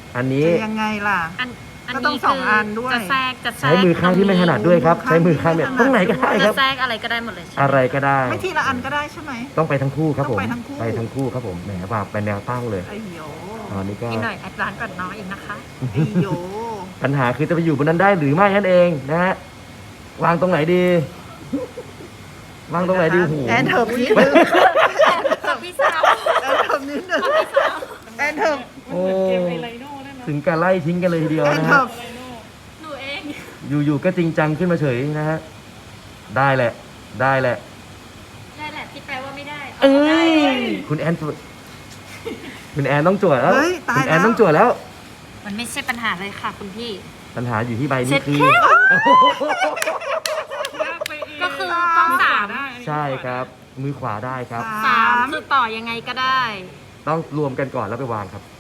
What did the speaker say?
อันนี้จะยังไงล่ะอันก็ต้องนี้สองอันด้วยจะแทรกใช้มือข้างที่ไม่ถนัดด้วยครับ ใช้มือข้างเนี่ยตรงไหนก็ได้คจะรับแทรกอะไรก็ได้หมดเลยใช่ไหมอะไรก็ได้ไม่ทีละอันก็ได้ใช่ไหมต้องไปทั้งคู่ครับผมต้องไปทั้งคู่ไปทั้งคู่ครับผมแหมว่าเป็นแนวตั้งเลยไอ้โยอันนี้ก็อีกหน่อยแอดวานซ์กว่าน้องอีกนะคะไอ้โยปัญหาคือจะไปอยู่บนนั้นได้หรือไม่นั่นเองนะฮะวางตรงไหนดี วางตรงไหนดีโอ้โหแอนเถิบนิดนึงพี่สาวแอนเถิบนิดนึงแอนเถิบโอ้ถึงการไล่ทิ้งกันเลยทีเดียวแอนนะเถิฮะบหนูเองอยู่ๆก็จริงจังขึ้นมาเฉยนะฮะได้แหละ ได้แหละได้แหละที่แปลว่าไม่ได้เอ้ยคุณแอนคุณแอนต้องจวดแล้วเฮ้ยตายคุณแอนแล้วต้องจวดแล้วมันไม่ใช่ปัญหาเลยค่ะคุณพี่ปัญหาอยู่ที่ใบเช็นี้ดคือแค่ก็คือต้องสามใช่ครับ มือขวาได้ครับสามคือต่อยังไงก็ได้ต้องรวมกันก่อนแล้วไปวางครับ